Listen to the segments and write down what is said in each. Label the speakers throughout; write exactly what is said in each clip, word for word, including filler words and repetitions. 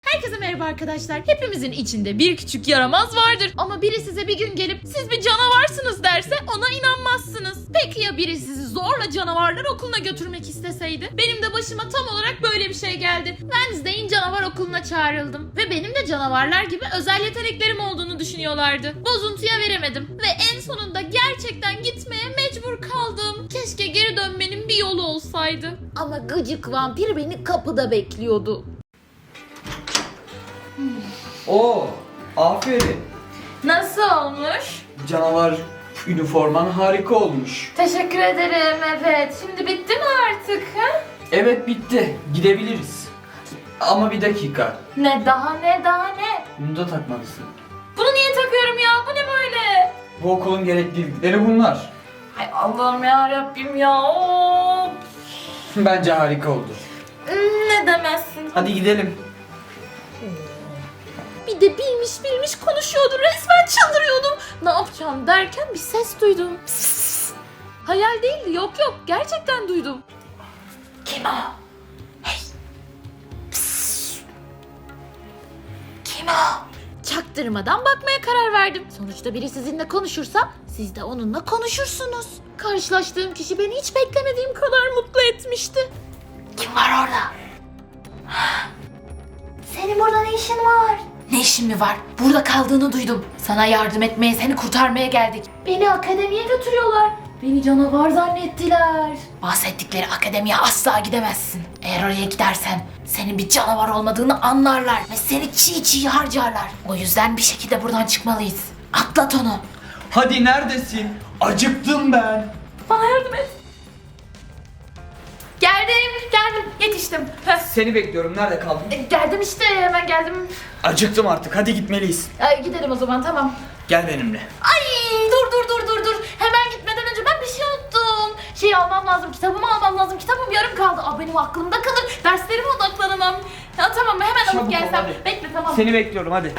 Speaker 1: Herkese merhaba arkadaşlar. Hepimizin içinde bir küçük yaramaz vardır. Ama biri size bir gün gelip siz bir canavarsınız derse ona inanmazsınız. Peki ya biri sizi zorla canavarlar okuluna götürmek isteseydi? Benim de başıma tam olarak böyle bir şey geldi. Wednesday'in canavar okuluna çağrıldım. Ve benim de canavarlar gibi özel yeteneklerim olduğunu düşünüyorlardı. Bozuntuya veremedim. Ve en sonunda gerçekten gitmeye mecbur kaldım. Keşke geri dönmenin bir yolu olsaydı. Ama gıcık vampir beni kapıda bekliyordu.
Speaker 2: Oo, aferin.
Speaker 1: Nasıl olmuş?
Speaker 2: Canavar üniforman harika olmuş.
Speaker 1: Teşekkür ederim, evet. Şimdi bitti mi artık? Ha?
Speaker 2: Evet, bitti. Gidebiliriz. Ama bir dakika.
Speaker 1: Ne daha ne daha ne?
Speaker 2: Bunu da takmalısın.
Speaker 1: Bunu niye takıyorum ya? Bu ne böyle?
Speaker 2: Bu okulun gereklilikleri bunlar.
Speaker 1: Ay Allah'ım ya Rabbim ya. Of.
Speaker 2: Bence harika oldu.
Speaker 1: Ne demezsin?
Speaker 2: Hadi gidelim.
Speaker 1: Bir de bilmiş bilmiş konuşuyordu. Resmen çıldırıyordum. Ne yapacağım derken bir ses duydum. Pıs. Hayal değildi. Yok yok. Gerçekten duydum. Kim o? Hey. Pıs. Kim o? Çaktırmadan bakmaya karar verdim. Sonuçta biri sizinle konuşursa siz de onunla konuşursunuz. Karşılaştığım kişi beni hiç beklemediğim kadar mutlu etmişti. Kim var orada? Senin burada ne işin var? Ne işin mi var? Burada kaldığını duydum. Sana yardım etmeye, seni kurtarmaya geldik. Beni akademiye götürüyorlar. Beni canavar zannettiler. Bahsettikleri akademiye asla gidemezsin. Eğer oraya gidersen senin bir canavar olmadığını anlarlar ve seni çiğ çiğ harcarlar. O yüzden bir şekilde buradan çıkmalıyız. Atlat onu.
Speaker 2: Hadi neredesin? Acıktım ben.
Speaker 1: Bana yardım et. Geldim, geldim. Yetiştim. Heh.
Speaker 2: Seni bekliyorum. Nerede kaldın?
Speaker 1: E, Geldim işte, hemen geldim.
Speaker 2: Acıktım artık. Hadi gitmeliyiz.
Speaker 1: Ay, gidelim o zaman, tamam.
Speaker 2: Gel benimle.
Speaker 1: Ay dur dur dur dur dur. Hemen gitmeden önce ben bir şey unuttum. Şey almam lazım, kitabımı almam lazım. Kitabım yarım kaldı. Aa, benim aklımda kalır. Derslerime odaklanamam. Ya tamam, hemen
Speaker 2: Çabuk ol,
Speaker 1: alıp gelsem.
Speaker 2: hadi.
Speaker 1: Bekle, tamam.
Speaker 2: Seni bekliyorum hadi.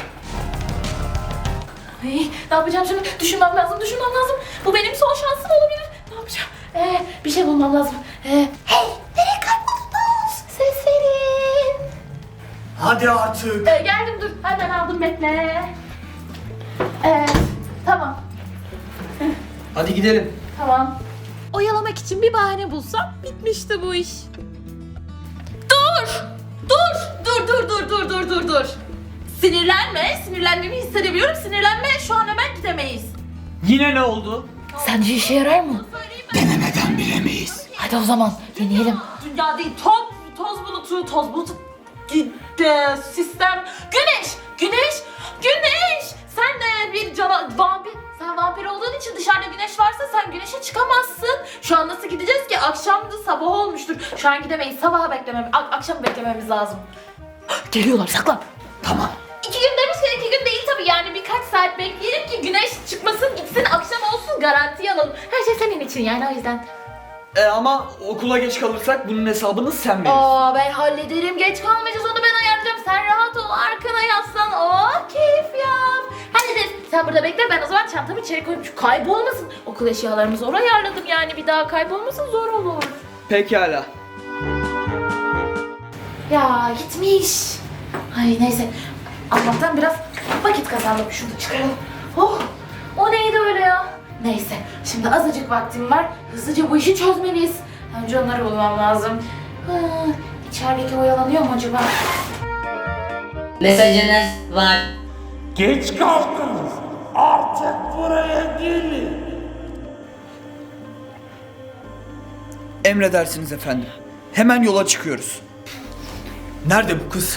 Speaker 1: Ay, ne yapacağım şimdi? Düşünmem lazım, düşünmem lazım. Bu benim son şansım olabilir. Ne yapacağım? Ee, bir şey bulmam lazım. Ee, hey, nereye kayboldunuz? Ses verin.
Speaker 2: Hadi artık.
Speaker 1: Ee, geldim, dur. Hemen aldım, bekle. Ee, tamam.
Speaker 2: Hadi gidelim.
Speaker 1: Tamam. Oyalamak için bir bahane bulsam bitmişti bu iş. Dur! Dur! Dur dur dur dur dur dur dur. Sinirlenme. Sinirlendiğimi hissedebiliyorum. Sinirlenme. Şu an hemen gidemeyiz.
Speaker 2: Yine ne oldu?
Speaker 1: Sence işe yarar mı?
Speaker 2: Denemeden bilemeyiz.
Speaker 1: Hadi o zaman deneyelim. Dünya değil, toz, toz bulutu, toz bulutu, e, sistem, güneş, güneş, güneş. Sen de bir cana, vampir, sen vampir olduğun için dışarıda güneş varsa sen güneşe çıkamazsın. Şu an nasıl gideceğiz ki? Akşamdı, sabah olmuştur. Şu an gidemeyiz, sabaha beklememiz, akşam beklememiz lazım. Geliyorlar, saklan.
Speaker 2: Tamam.
Speaker 1: İki gün demişken iki gün değil tabii, yani birkaç saat bekleyelim ki güneş çıkmasın, gitsin, akşam olsun, garantiye alalım. Her şey senin için yani, o yüzden.
Speaker 2: E ama okula geç kalırsak bunun hesabını sen verirsin.
Speaker 1: Aa, ben hallederim, geç kalmayacağız, onu ben ayarlayacağım. Sen rahat ol, arkana yaslan, oh keyif yap. Hallederiz. Sen burada bekle, ben o zaman çantamı içeri koyayım. Şu kaybolmasın. Okul eşyalarımızı oraya ayarladım, yani bir daha kaybolmasın, zor olur.
Speaker 2: Pekala.
Speaker 1: Ya gitmiş. Ay neyse. Allah'tan biraz vakit kazandım. Şunu çıkaralım. Oh, o neydi öyle ya? Neyse, şimdi azıcık vaktim var. Hızlıca bu işi çözmeliyiz. Önce onları bulmam lazım. Ha, içerideki oyalanıyor mu acaba?
Speaker 3: Mesajınız var.
Speaker 4: Geç kaldınız. Artık buraya gelin.
Speaker 2: Emredersiniz efendim. Hemen yola çıkıyoruz. Nerede bu kız?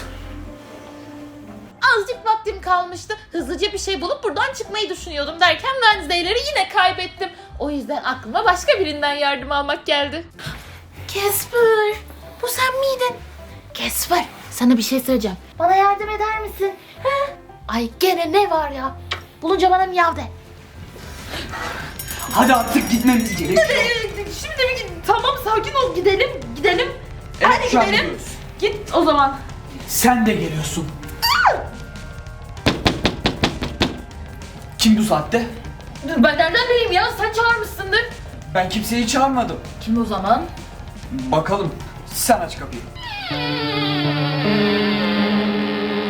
Speaker 1: Azıcık vaktim kalmıştı. Hızlıca bir şey bulup buradan çıkmayı düşünüyordum derken Wednesday'leri yine kaybettim. O yüzden aklıma başka birinden yardım almak geldi. Casper, bu sen miydin? Casper, sana bir şey söyleyeceğim. Bana yardım eder misin? He? Ay gene ne var ya? Bulunca bana miyav de.
Speaker 2: Hadi artık gitmemiz gerekiyor.
Speaker 1: Şimdi bir tamam, sakin ol, gidelim gidelim.
Speaker 2: Evet,
Speaker 1: Hadi
Speaker 2: şu an
Speaker 1: gidelim.
Speaker 2: gidiyoruz.
Speaker 1: Git o zaman.
Speaker 2: Sen de geliyorsun. Kim bu saatte?
Speaker 1: Dur, ben nereden bileyim ya, sen çağırmışsındır.
Speaker 2: Ben kimseyi çağırmadım.
Speaker 1: Kim o zaman?
Speaker 2: Bakalım. Sen aç kapıyı.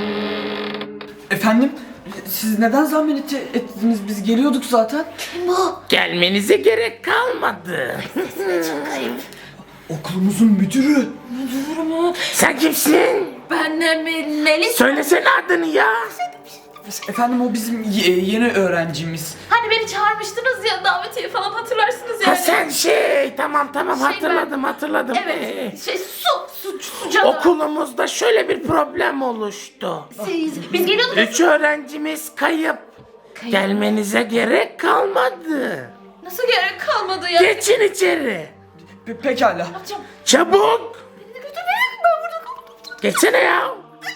Speaker 2: Efendim, siz neden zahmet et- ettiniz? Biz geliyorduk zaten.
Speaker 1: Bu.
Speaker 4: Gelmenize gerek kalmadı.
Speaker 2: Okulumuzun müdürü.
Speaker 4: Sen kimsin?
Speaker 1: Ben de Melis.
Speaker 4: Söylesene adını ya.
Speaker 2: Efendim o bizim ye- yeni öğrencimiz.
Speaker 1: Hani beni çağırmıştınız ya davetiye falan hatırlarsınız yani.
Speaker 4: Ha sen şey tamam tamam
Speaker 1: Şey,
Speaker 4: hatırladım hatırladım. Ee,
Speaker 1: Evet. Şey su su su canavar.
Speaker 4: Okulumuzda şöyle bir problem oluştu.
Speaker 1: Siz, biz geliyorduk.
Speaker 4: Üç öğrencimiz kayıp.
Speaker 1: Kayıp.
Speaker 4: Gelmenize gerek kalmadı.
Speaker 1: Nasıl gerek kalmadı ya?
Speaker 4: Geçin içeri.
Speaker 2: Pe- pekala.
Speaker 1: Yapacağım.
Speaker 4: Çabuk.
Speaker 1: Beni de götürmeyin, ben burada kaldım.
Speaker 4: Geçsene ya.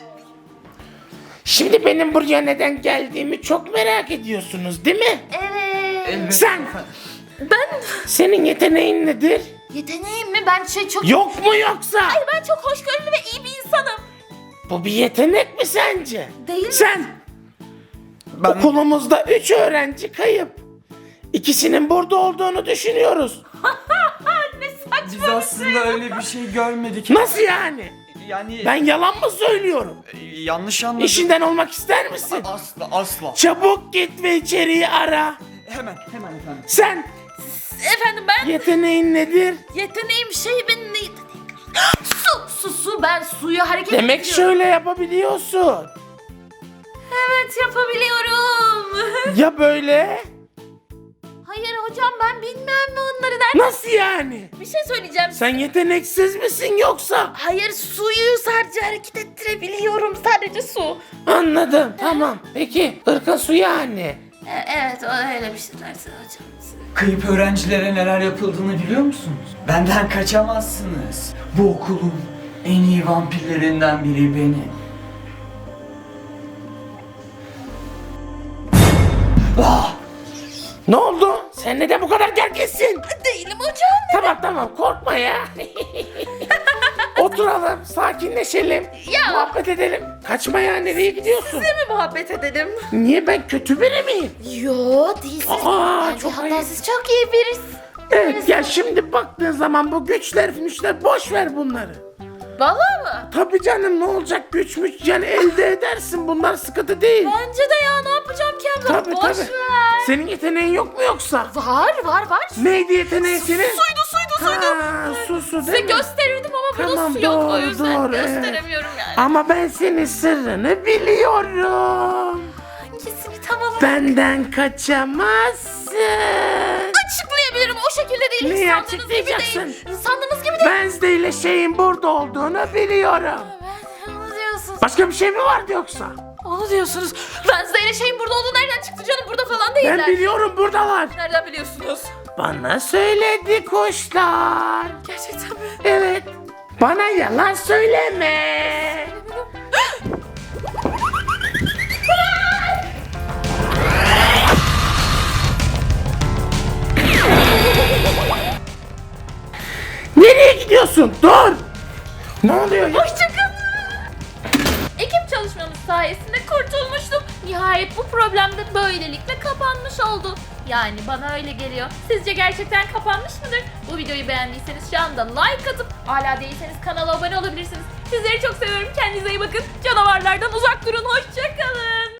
Speaker 4: Şimdi benim buraya neden geldiğimi çok merak ediyorsunuz değil mi?
Speaker 1: Evet.
Speaker 2: Evet,
Speaker 4: Sen.
Speaker 2: efendim.
Speaker 1: Ben
Speaker 4: Senin yeteneğin nedir?
Speaker 1: yeteneğim mi? Ben şey çok...
Speaker 4: Yok mu yoksa?
Speaker 1: Ay ben çok hoşgörülü ve iyi bir insanım.
Speaker 4: Bu bir yetenek mi sence?
Speaker 1: Değil mi?
Speaker 4: Sen.
Speaker 2: Ben,
Speaker 4: Okulumuzda üç öğrenci kayıp. İkisinin burada olduğunu düşünüyoruz.
Speaker 1: Ne saçma.
Speaker 2: biz aslında öyle bir şey görmedik.
Speaker 4: Nasıl yani?
Speaker 2: Yani
Speaker 4: Ben yalan mı söylüyorum?
Speaker 2: e, yanlış anladım.
Speaker 4: İşinden olmak ister misin?
Speaker 2: Asla asla.
Speaker 4: Çabuk git ve içeriği ara.
Speaker 2: Hemen hemen efendim.
Speaker 4: Sen
Speaker 1: Efendim ben
Speaker 4: yeteneğin nedir?
Speaker 1: yeteneğim şey benim ne yeteneğim? Su su su ben suyu hareket
Speaker 4: Demek
Speaker 1: ediyorum.
Speaker 4: şöyle yapabiliyorsun.
Speaker 1: Evet yapabiliyorum.
Speaker 4: Ya böyle?
Speaker 1: Hayır hocam ben bilmem mi onları der.
Speaker 4: Nasıl yani?
Speaker 1: Bir şey söyleyeceğim.
Speaker 4: Sen yeteneksiz misin yoksa?
Speaker 1: Hayır suyu sadece hareket ettirebiliyorum. Sadece su.
Speaker 4: Anladım tamam. Peki ırka su yani.
Speaker 1: E- evet o öyle bir şey dersin hocam.
Speaker 2: Kayıp öğrencilere neler yapıldığını biliyor musunuz? Benden kaçamazsınız. Bu okulun en iyi vampirlerinden biri benim. Ah!
Speaker 4: Ne oldu? Sen neden bu kadar gerginsin?
Speaker 1: Değilim hocam.
Speaker 4: Tamam tamam korkma ya. Oturalım, sakinleşelim.
Speaker 1: Ya.
Speaker 4: Muhabbet edelim. Kaçma ya, nereye gidiyorsun?
Speaker 1: Size mi muhabbet edelim?
Speaker 4: Niye, ben kötü biri miyim?
Speaker 1: Yo değilsiniz.
Speaker 4: Aa,
Speaker 1: Bence
Speaker 4: çok
Speaker 1: hatta
Speaker 4: ayıp.
Speaker 1: siz çok iyi birisi.
Speaker 4: Evet gel, şimdi baktığın zaman bu güçler güçler boş ver bunları.
Speaker 1: Vallahi mı?
Speaker 4: Tabii canım, ne olacak, güç müç yani elde edersin, bunlar sıkıntı değil.
Speaker 1: Bence de ya ne yapacağım ki abla?
Speaker 4: Tabii
Speaker 1: Boş
Speaker 4: tabii.
Speaker 1: ver.
Speaker 4: Senin yeteneğin yok mu yoksa?
Speaker 1: Var var var.
Speaker 4: Neydi yeteneğin senin?
Speaker 1: Suydu suydu suydu.
Speaker 4: Ha, su su
Speaker 1: Size
Speaker 4: değil mi?
Speaker 1: gösterirdim ama burada
Speaker 4: Tamam,
Speaker 1: su yok o
Speaker 4: doğru,
Speaker 1: yüzden
Speaker 4: doğru, evet.
Speaker 1: gösteremiyorum yani.
Speaker 4: Ama ben senin sırrını biliyorum.
Speaker 1: Hangisini tam olarak
Speaker 4: Benden kaçamazsın.
Speaker 1: açıklayabilirim o şekilde değil.
Speaker 4: Neyi
Speaker 1: İnsandığınız gibi
Speaker 4: açıklayacaksın?
Speaker 1: değil. İnsandığınız gibi değil.
Speaker 4: Wednesday ile şeyin burada olduğunu biliyorum.
Speaker 1: Ben onu diyorsunuz.
Speaker 4: Başka bir şey mi vardı yoksa?
Speaker 1: Onu diyorsunuz. Wednesday ile şeyin burada olduğu nereden çıktı canım? Burada falan değiller.
Speaker 4: Ben biliyorum, buradalar.
Speaker 1: Nereden biliyorsunuz?
Speaker 4: Bana söyledi kuşlar.
Speaker 1: Gerçekten mi?
Speaker 4: Evet. Bana yalan söyleme. Nereye gidiyorsun? Dur. Ne oluyor ya?
Speaker 1: Hoşçakalın. Ekip çalışmamız sayesinde kurtulmuştum. Nihayet bu problem de böylelikle kapanmış oldu. Yani bana öyle geliyor. Sizce gerçekten kapanmış mıdır? Bu videoyu beğendiyseniz şu anda like atıp hala değilseniz kanala abone olabilirsiniz. Sizleri çok seviyorum. Kendinize iyi bakın. Canavarlardan uzak durun. Hoşçakalın.